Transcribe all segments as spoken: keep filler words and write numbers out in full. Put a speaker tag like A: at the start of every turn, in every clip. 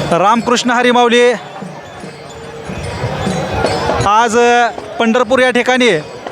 A: रामकृष्ण हरी माऊली. आज पंढरपूर या ठिकाणी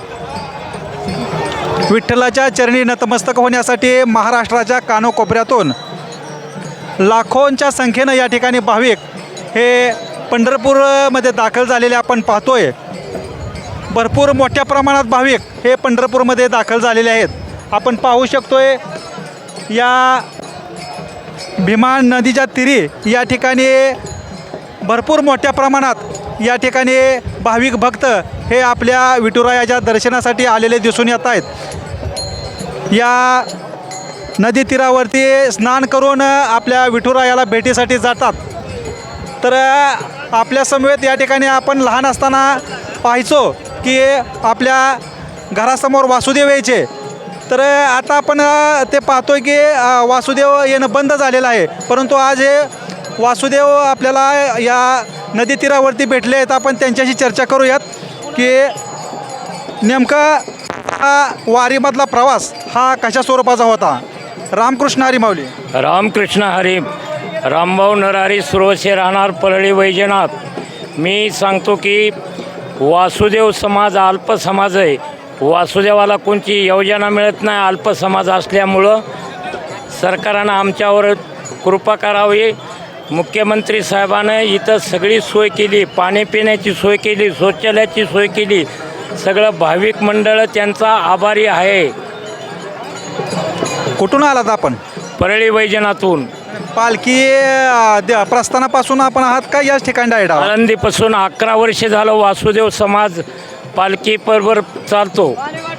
A: विठ्ठलाच्या चरणी नतमस्तक होण्यासाठी महाराष्ट्राच्या कानोकोपऱ्यातून लाखोंच्या संख्येनं या ठिकाणी भाविक हे पंढरपूरमध्ये दाखल झालेले आपण पाहतोय. भरपूर मोठ्या प्रमाणात भाविक हे पंढरपूरमध्ये दाखल झालेले आहेत. आपण पाहू शकतोय या भीमा नदीच्या तीरी या ठिकाणी भरपूर मोठ्या प्रमाणात या ठिकाणी भाविक भक्त हे आपल्या विठुरायाच्या दर्शनासाठी आलेले दिसून येत आहेत. या नदी तीरावरती स्नान करून आपल्या विठुरायाला भेटीसाठी जातात. तर आपल्या समवेत या ठिकाणी आपण लहान असताना पाहायचो की आपल्या घरासमोर वासुदेव यायचे. तर आता आपण ते पाहतोय की वासुदेव येणं बंद झालेलं आहे, परंतु आज हे वासुदेव आपल्याला या नदी तीरावरती भेटले आहेत. आपण त्यांच्याशी चर्चा करूयात की नेमका हा वारीमधला प्रवास हा कशा स्वरूपाचा होता. रामकृष्ण हरी माऊली.
B: रामकृष्ण हरी. रामभाऊ नरहरी सुरवसे, राहणार परळी वैजनाथ. मी सांगतो की वासुदेव समाज अल्प समाज आहे. वासुदेवाला कोणती योजना मिळत नाही. अल्प समाज असल्यामुळं सरकारनं आमच्यावर कृपा करावी. मुख्यमंत्री साहेबानं इथं सगळी सोय केली, पाणी पिण्याची सोय केली, शौचालयाची सोय केली. सगळं भाविक मंडळ त्यांचा आभारी आहे.
A: कुठून आलात आपण?
B: परळी वैजनाथून.
A: पालखी प्रस्थानापासून आपण आहात का याच ठिकाणी डायरेक्ट?
B: आळंदीपासून अकरा वर्ष झालं वासुदेव समाज पालखी बरोबर चालतो.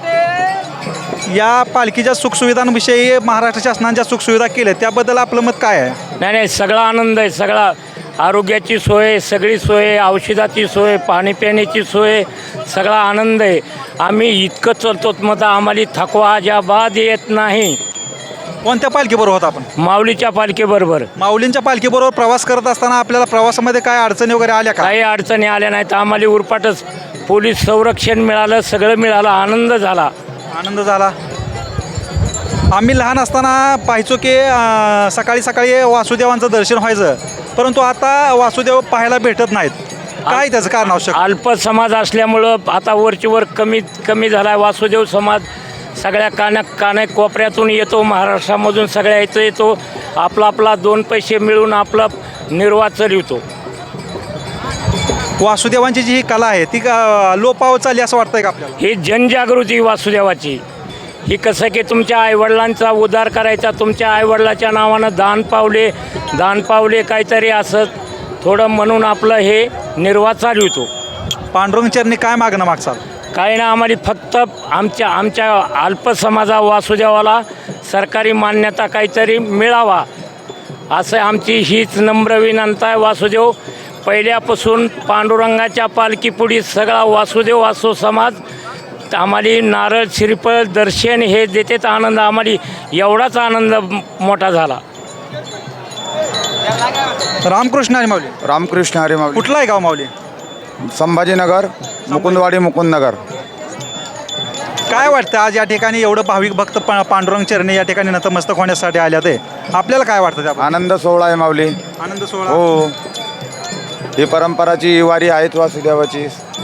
A: या पालखीच्या सुखसुविधांविषयी महाराष्ट्र शासनाच्या सुखसुविधा केल्या त्याबद्दल आपलं मत काय आहे?
B: नाही नाही सगळा आनंद आहे. सगळा आरोग्याची सोय, सगळी सोय, औषधाची सोय, पाणी पिण्याची सोय, सगळा आनंद आहे. आम्ही इतकं चालतो मग आम्हाला थकवा अजाबाद येत नाही.
A: कोणत्या पालखीबरोबर होता आपण?
B: माऊलीच्या पालखीबरोबर.
A: माऊलींच्या पालखीबरोबर प्रवास करत असताना आपल्याला प्रवासामध्ये काय अडचणी वगैरे आल्या का?
B: काही अडचणी आल्या नाहीत. आम्हाला उरपाटच पोलीस संरक्षण मिळालं, सगळं मिळालं, आनंद झाला.
A: आनंद झाला. आम्ही लहान असताना पाहायचो की सकाळी सकाळी वासुदेवांचं दर्शन व्हायचं, परंतु आता वासुदेव पाहायला भेटत नाहीत. काय त्याचं कारण आवश्यक?
B: अल्प समाज असल्यामुळं आता वरची वर कमी कमी झाला आहे. वासुदेव समाज सगळ्या काना काना कोपऱ्यातून येतो, महाराष्ट्रामधून सगळ्या इथं येतो. आपला आपला दोन पैसे मिळून आपला निर्वाह चालवतो.
A: वासुदेवांची जी ही कला आहे ती लोपावत चालली असं वाटतंय का आपल्याला?
B: ही जनजागृती वासुदेवाची. ही कसं की तुमच्या आईवडिलांचा उद्धार करायचा, तुमच्या आईवडिलाच्या नावानं दान पावले दान पावले काहीतरी असं थोडं म्हणून आपलं हे निर्वाह चालवतो.
A: पांडुरंग चरणी काय मागणं मागचाल?
B: काही ना आम्हाला फक्त आमच्या आमच्या अल्प समाजा वासुदेवाला सरकारी मान्यता काहीतरी मिळावा असं आमची हीच नम्र विनंती आहे. वासुदेव पहिल्यापासून पांडुरंगाच्या पालखीपुढी सगळा वासुदेव वासू समाज आम्हाला नारळ श्रीफळ दर्शन हे देतेच. आनंद आम्हाला एवढाच आनंद मोठा झाला.
A: रामकृष्ण हरी माऊली.
C: रामकृष्ण हरी माऊली.
A: कुठला आहे गाव माऊली?
C: संभाजीनगर, मुकुंदवाडी, मुकुंदनगर.
A: काय वाटतं आज या ठिकाणी एवढं भाविक भक्त पा पांडुरंग चरणी या ठिकाणी नतमस्तक होण्यासाठी आल्या ते आपल्याला काय वाटतं? त्या
C: आनंद सोहळा आहे माऊली.
A: आनंद सोहळा.
C: हो, ही परंपराची वारी आहेत वासुदेवाची.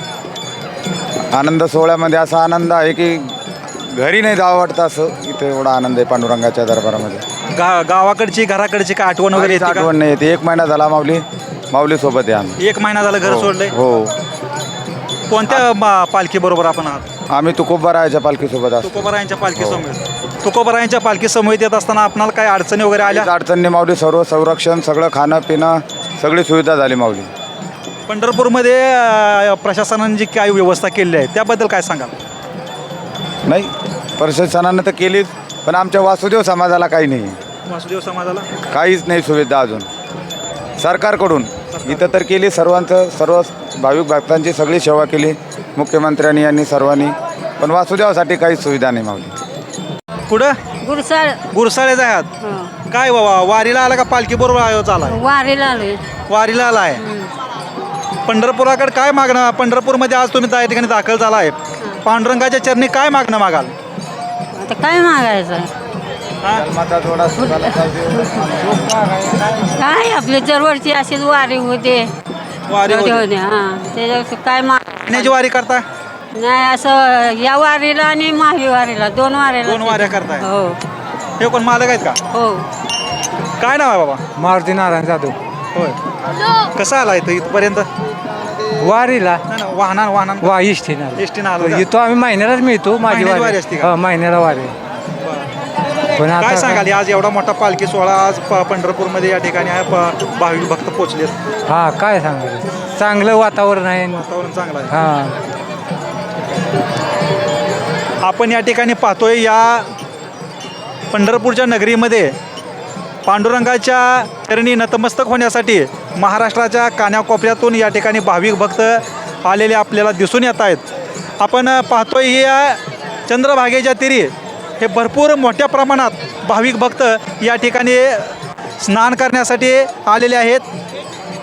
C: आनंद सोहळ्यामध्ये असा आनंद आहे की घरी नाही जावं वाटतं, असं इथे एवढा आनंद आहे पांडुरंगाच्या दरबारामध्ये.
A: गा गावाकडची घराकडची काय आठवण वगैरे येते का?
C: आठवण नाही येते. एक महिना झाला माऊली माऊली सोबत आहे आम्ही.
A: एक महिना झाला घर सोडलंय.
C: हो.
A: कोणत्या पालखी बरोबर आपण आहात?
C: आम्ही तुकोबारायाच्या पालखीसोबत असतो.
A: तुकोबारायांच्या पालखी समवेत. तुकोबारायांच्या पालखी समवेत येत असताना आपणाला काय अडचणी वगैरे आल्या?
C: अडचणी माऊली सर्व संरक्षण, सगळं खाणं पिणं सगळी सुविधा झाली माऊली.
A: पंढरपूरमध्ये प्रशासनाने जी काही व्यवस्था केली आहे त्याबद्दल काय सांगाल?
C: नाही, प्रशासनानं तर केलीच, पण आमच्या वासुदेव समाजाला काही नाही.
A: वासुदेव समाजाला
C: काहीच नाही सुविधा अजून सरकारकडून. इथं तर केली सर्वांचं, सर्व भाविक भक्तांची सगळी सेवा केली मुख्यमंत्र्यांनी यांनी सर्वांनी, पण वासुदेवासाठी काहीच सुविधा नाही माऊली.
A: कुठं?
D: गुरसाळ.
A: गुरसाळे आहात. काय बाबा वारीला आला का पालखी बरोबर चाला?
D: वारीला आलोय.
A: वारीला आला आहे. पंढरपुराकडे काय मागणं? पंढरपूरमध्ये आज तुम्ही त्या ठिकाणी दाखल झाला आहे. पांडुरंगाच्या चरणी काय मागणं मागाल?
D: आता काय मागायचं?
A: हा?
C: जन्माचा जोडा सुखाला जाऊ दे.
D: काय आपले दरवर्षी अशीच वारी होते
A: वारी होते.
D: होते हां त्याच्या काय मा
A: पाण्याची वारी करता
D: नाही असं या वारीला आणि माही वारीला दोन वारीला
A: दोन वाऱ्या करताय
D: हो
A: हे कोण मालक आहेत का
D: हो
A: काय नाव आहे बाबा
E: मारुती नारायण जाधव
A: होय कसं आला इथं इथपर्यंत
E: वारीला
A: नाही ना वाहना वाहना
E: वा इष्टीना
A: एसटीनं आलो का?
E: येतो आम्ही महिन्यालाच मिळतो माझी
A: महिन्याची वारी
E: वारी
A: असते का?
E: हा, महिन्याला वारी पण
A: काय
E: आता
A: सांगाल आज एवढा मोठा पालखी सोहळा आज प- पंढरपूरमध्ये या ठिकाणी आहे प- भाविक भक्त पोचलेत
E: हा काय सांगायचं चांगलं वातावरण आहे
A: वातावरण चांगलं आहे
E: हा
A: आपण या ठिकाणी पाहतोय या पंढरपूरच्या नगरीमध्ये पांडुरंगाच्या चरणी नतमस्तक होण्यासाठी महाराष्ट्राच्या कानाकोपऱ्यातून या ठिकाणी भाविक भक्त आलेले आपल्याला दिसून येत आहेत आपण पाहतोय ही या चंद्रभागेच्या तीरी हे भरपूर मोठ्या प्रमाणात भाविक भक्त या ठिकाणी स्नान करण्यासाठी आलेले आहेत